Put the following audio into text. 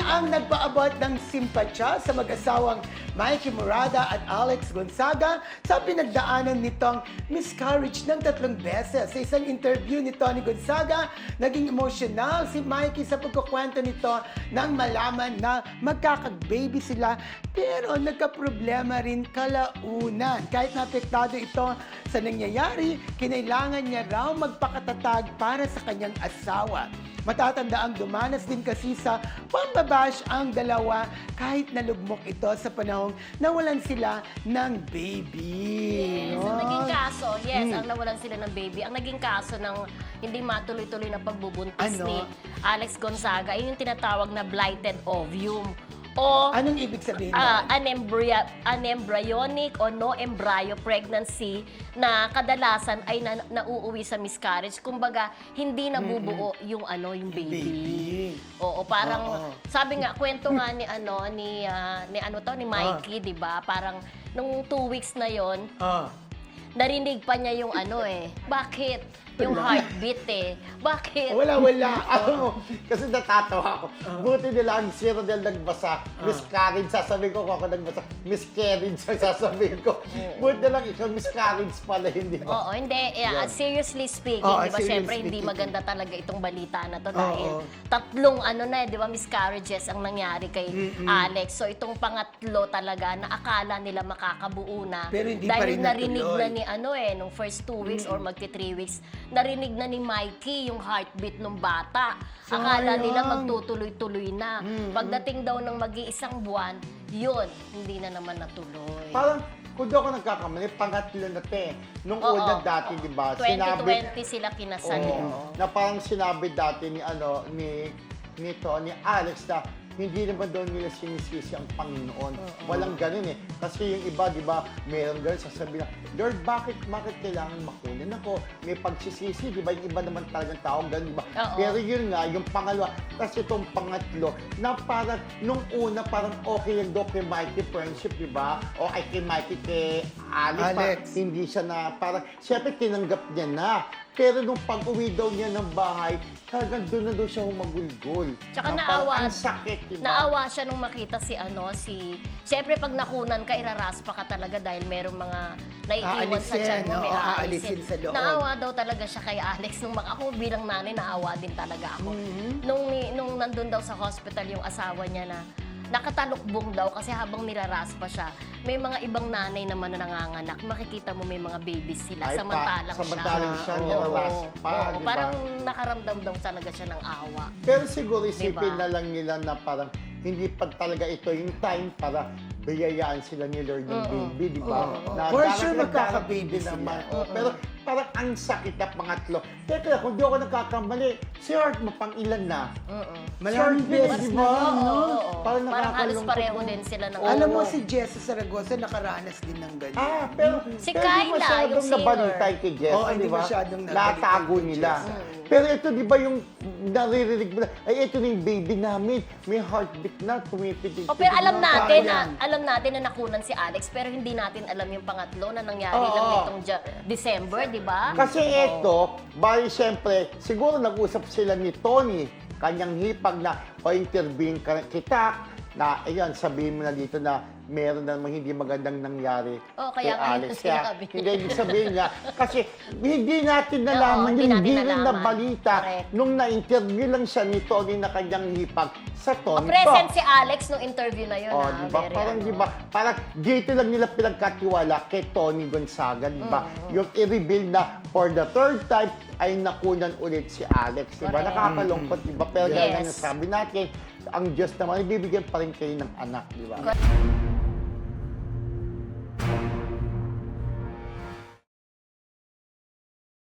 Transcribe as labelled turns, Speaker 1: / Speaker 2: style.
Speaker 1: ang nagpaabot ng simpatya sa mag-asawang Mikey Murada at Alex Gonzaga sa pinagdaanan nitong miscarriage ng 3 beses. Sa isang interview ni Tony Gonzaga, naging emotional si Mikey sa pagkukwento nito nang malaman na magkakag-baby sila pero nagkaproblema rin kalaunan. Kahit napektado ito sa nangyayari, kinailangan niya raw magpakatatag para sa kanyang asawa. Matatanda ang dumanas din kasi sa pambabash ang dalawa kahit nalugmok ito sa panahong nawalan sila ng baby.
Speaker 2: Yes, ang naging kaso, ang nawalan sila ng baby. Ang naging kaso ng hindi matuloy-tuloy na pagbubuntis ni Alex Gonzaga ay yung tinatawag na blighted ovum. O
Speaker 1: Anong ibig sabihin nun?
Speaker 2: Unembryonic o no embryo pregnancy na kadalasan ay nauuwi sa miscarriage. Kumbaga, hindi nabubuo yung baby. Oo, parang sabi nga kwento nga ni Mikey, 'di ba? Parang nung 2 weeks na 'yon, narinig pa niya yung bakit? Yung heartbeat Bakit?
Speaker 3: Wala. Alam mo, kasi natatawa ako. Buti nila ang zero dahil nagbasa. Miscarriage, sasabihin ko kung ako nagbasa. Miscarriage, sasabihin ko. Buti na lang ikaw, miscarriage pala, hindi ba?
Speaker 2: Oo, hindi. Seriously speaking, di ba? Siyempre, hindi maganda talaga itong balita na to dahil 3 di ba, miscarriages ang nangyari kay Alex. So, itong pangatlo talaga na akala nila makakabuo na.
Speaker 1: Pero hindi pa
Speaker 2: dahil
Speaker 1: rin
Speaker 2: narinig
Speaker 1: natuloy.
Speaker 2: na nung first 2 weeks or magti 3 weeks, narinig na ni Mikey yung heartbeat ng bata. Akala nila magtutuloy-tuloy na. Pagdating daw ng mag-iisang buwan, yun, hindi na naman natuloy.
Speaker 3: Parang, kung di ako nagkakamali, pangatlo na Nung una dati, di ba?
Speaker 2: 2020 sila kinasal.
Speaker 3: Na parang sinabi dati ni Alex na hindi naman daw nila sinisisi ang Panginoon. Walang ganun Kasi yung iba, di ba, meron ganun, sasabihin na, Lord, bakit kailangan makunin ako? May pagsisisi, di ba? Yung iba naman talagang tao, ganun, di ba? Pero yun nga, yung pangalawa, kasi itong pangatlo, na parang, nung una, parang okay lang daw kay Mikey friendship, di ba? O ay kay Mikey, kay Alex. Parang, hindi siya na, parang, siyempre, tinanggap niya na. Pero nung pag-uwi daw niya ng bahay, talagang doon na daw siya humagulgol.
Speaker 2: Tsaka
Speaker 3: ang sakit, diba?
Speaker 2: Naawa siya nung makita siyempre pag nakunan ka, iraraspa ka talaga dahil merong mga naiiwan sa tiyan mo, may aalisin.
Speaker 1: sa loob.
Speaker 2: Naawa daw talaga siya kay Alex. Ako bilang nanay, naawa din talaga ako. Nung nandun daw sa hospital yung asawa niya na nakatalukbong daw kasi habang niraraspa siya, may mga ibang nanay naman na nanganganak. Makikita mo may mga babies sila, samantalang
Speaker 3: siya niraraspa, diba?
Speaker 2: Parang nakaramdam daw talaga siya ng awa.
Speaker 3: Pero siguro isipin
Speaker 2: Diba?
Speaker 3: na lang nila na parang hindi pa talaga ito yung time para biyayaan sila ni Lord ng baby, di ba?
Speaker 1: For sure magkaka-baby sila.
Speaker 3: Pero parang ang sakit na pangatlo. Teka lang, kung di ako nagkakamali, si Art mapang ilan na?
Speaker 1: Maraming beses
Speaker 3: di ba?
Speaker 2: Parang halos
Speaker 3: nakakalungkot
Speaker 2: pareho
Speaker 3: mo.
Speaker 2: din sila ng
Speaker 1: Alam mo, si Jessa Saragosa nakaranas din ng ganyan.
Speaker 3: Pero
Speaker 2: Si
Speaker 3: pero
Speaker 2: Kyla,
Speaker 3: di masyadong
Speaker 2: yung singer.
Speaker 3: nabalitay kay Jess,
Speaker 1: Oo, hindi
Speaker 3: di ba?
Speaker 1: masyadong nabalitay
Speaker 3: Natago
Speaker 1: kay
Speaker 3: nila.
Speaker 1: Jess.
Speaker 3: Pero ito, di ba yung naririnig mo na, ay, ito na yung baby namin. May heartbeat na, tumipitig.
Speaker 2: pero alam natin na nakunan si Alex, pero hindi natin alam yung pangatlo na nangyari lang nitong December, di ba?
Speaker 3: Kasi ito, bali siyempre, siguro nag-usap sila ni Tony, kanyang hipag na, o intervene kita, na, ayun, sabihin mo na dito na, meron namang hindi magandang nangyari
Speaker 2: kaya
Speaker 3: kay Alex.
Speaker 2: sinabi.
Speaker 3: Hindi ibig sabihin nga, kasi hindi natin nalaman
Speaker 2: hindi
Speaker 3: yung
Speaker 2: natin
Speaker 3: rin na
Speaker 2: nalaman.
Speaker 3: balita
Speaker 2: Correct.
Speaker 3: nung na-interview lang siya ni Tony na kanyang hipag sa Tony
Speaker 2: Present
Speaker 3: Talk.
Speaker 2: si Alex nung interview na yun.
Speaker 3: Diba? Parang, diba, parang dito lang nila pinagkatiwala kay Tony Gonzaga, diba? Yung i-reveal na for the 3rd time ay nakunan ulit si Alex, diba?
Speaker 2: Correct.
Speaker 3: Nakakalungkot, diba? Pero
Speaker 2: Yes.
Speaker 3: gaya ng sabi natin, ang Diyos naman, ibibigyan pa rin kayo ng anak, diba?
Speaker 2: Correct.